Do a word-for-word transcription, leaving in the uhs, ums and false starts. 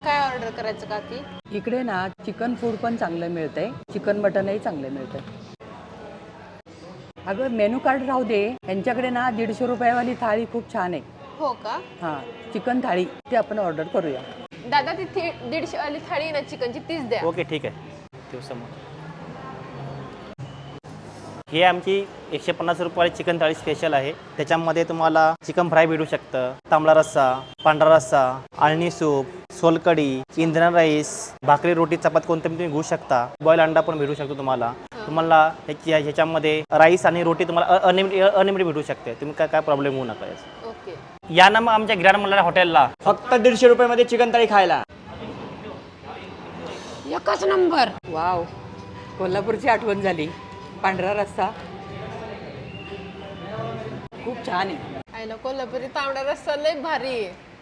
काय ऑर्डर करायचं काकी? इकडे ना चिकन फूड पण चांगलं मिळतंय, चिकन मटनही चांगलं मिळतंय. अगं मेनू कार्ड राहू दे, यांच्याकडे ना दीडशे रुपयावाली थाळी खूप छान आहे. हो का? हां, चिकन थाळी ती आपण ऑर्डर करूया. दादा ती थी दीडशे वाली थाळी ना चिकनची तीच द्या. ओके ठीक आहे दिवसामोर ही आमची एकशे पन्नास रुपयाची चिकन थाळी स्पेशल आहे. त्याच्यामध्ये तुम्हाला चिकन फ्राय भेटू शकतं, तांबडा रस्सा, पांढरा रस्सा, आळणी सूप, सोलकढी, इंद्रन राईस, भाकरी रोटी चपाती कोणतं तुम्ही घेऊ शकता. बॉईल अंडा पण भेटू शकतो तुम्हाला. तुम्हाला ह्याची ह्याच्यामध्ये राईस आणि रोटी तुम्हाला अनलिमिटेड अनलिमिटेड भेटू शकते. तुम्ही काय काय प्रॉब्लेम होऊ नका याचा. ओके. या ना मग आमच्या ग्रँड मल्हार हॉटेलला फक्त दीडशे रुपयामध्ये चिकन थाळी खायला. एकच नंबर. वाव, कोल्हापूरची आठवण झाली. पांढरा रस्सा खूप छान आहे. आईला कोल्हापुरी तांबडा रस्सा लय भारी आहे.